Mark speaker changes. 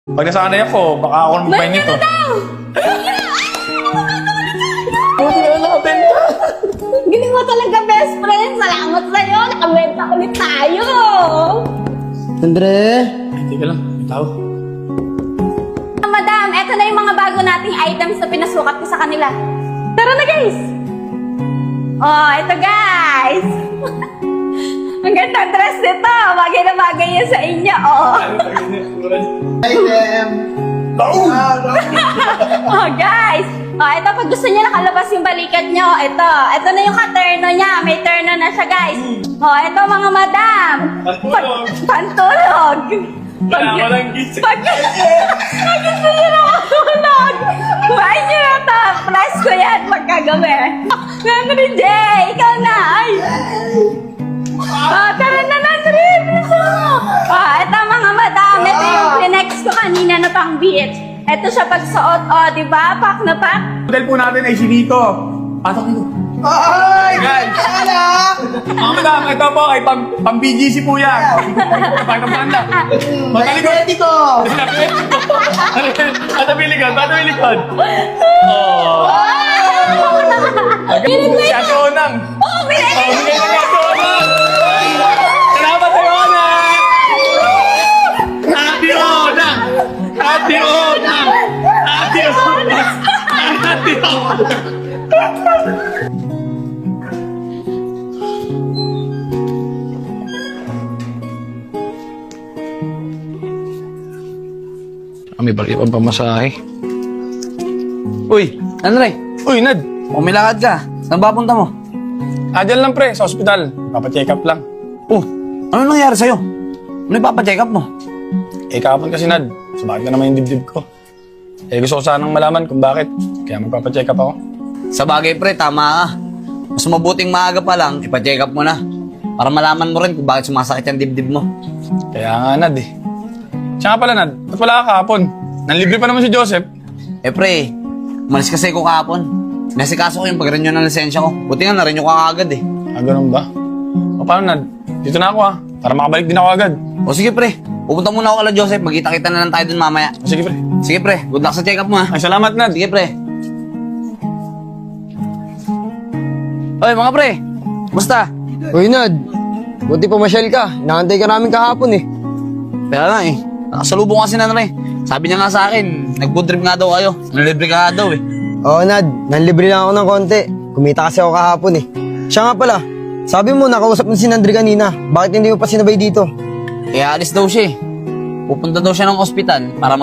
Speaker 1: Pag nasanay ako, baka ako nang magpahin nito. Buti na nakabenta.
Speaker 2: Galing mo talaga, best friend. Salamat sa'yo. Nakabenta ulit tayo.
Speaker 3: Andre?
Speaker 1: Ay, teka lang. May tao.
Speaker 2: Madam, eto na yung mga bago nating items na pinasukat ko sa kanila. Tara na, guys! Oh, eto, guys! Ang ganda dress nito. Bagay na bagay yan sa inyo, oh.
Speaker 3: Item!
Speaker 2: Oh, guys! Oh, ito, pag gusto niyo nakalabas yung balikat niyo, ito na yung katerno niya. May terno na siya, guys. Oh, ito, mga madam.
Speaker 1: Pantulog.
Speaker 2: Pantulog.
Speaker 1: Wala lang gising.
Speaker 2: Pag gusto niyo nakatulog, kumain niyo na ito. Price ko yan pagkagabi. Nandri Jay, ikaw na. Ay. Oh, tara na, Nandri. Bilisan mo. Oh, ito, mga madam. Ito yung pinex ko kanina na pang beach. Ito siya pagsuot, oh, di ba? Pak na pak.
Speaker 1: Hotel po natin ay si Nico. Patok nito.
Speaker 3: Ay!
Speaker 1: Guys!
Speaker 3: Kala!
Speaker 1: Mga madam, ito po ay pang BGC po yan. Pagkapanda. Magkalikod.
Speaker 3: Ready ko!
Speaker 1: Ano bilikod? Ano bilikod? Oh. Siya si Onang.
Speaker 2: Oh, binigay
Speaker 1: Oh, bigay na niya si Onang. Salamat sa Onang. Happy Onang. Happy Onang. Happy Onang. Happy Onang. May balik pang pamasahe.
Speaker 4: Uy, Andre,
Speaker 1: Uy, Nad.
Speaker 4: umilakad ka. Saan ba punta mo?
Speaker 1: Dyan lang pre, sa ospital. Papacheck up lang.
Speaker 4: Oh, ano nangyari sa'yo? Ano ipapacheck up mo?
Speaker 1: Kahapon kasi Nad, sumakit na naman yung dibdib ko. Gusto ko sanang malaman kung bakit. Kaya magpapacheck up ako.
Speaker 4: Sa bagay pre, tama ka. Mas mabuting maaga pa lang, ipacheck up mo na. Para malaman mo rin kung bakit sumasakit yung dibdib mo.
Speaker 1: Kaya nga Nad eh. Siya nga pala Nad, ba't wala ka kahapon? Nanlibre pa naman si Joseph.
Speaker 4: Pre, umalis kasi ko kahapon. Nasikaso ko yung pag-renew ng lisensya ko. Buti nga na-renew ka agad eh.
Speaker 1: Ganun ba? O paano Nad? Dito na ako para makabalik din ako agad.
Speaker 4: O sige pre, pupunta muna ako kala Joseph. Magkita-kita na lang tayo dun mamaya.
Speaker 1: O sige pre.
Speaker 4: Sige pre, good luck sa check up mo ha.
Speaker 1: Ay salamat Nad.
Speaker 4: Sige pre. Oy mga pre, basta?
Speaker 3: Uy, Nad. Buti pumasyal ka. Nakantay ka namin kahapon eh.
Speaker 4: Kaya nga eh, nakasalubong kasi na rin. Sabi niya nga sa akin, nag-food trip nga daw kayo. Nalibre ka nga daw eh.
Speaker 3: Oo, Nad. Nanlibre lang ako ng konti. Kumita kasi ako kahapon eh. Siya nga pala. Sabi mo, nakausap mo si Nandri kanina. Bakit hindi mo pa sinabay dito?
Speaker 4: Kaya alis daw siya eh. Pupunta daw siya ng ospital para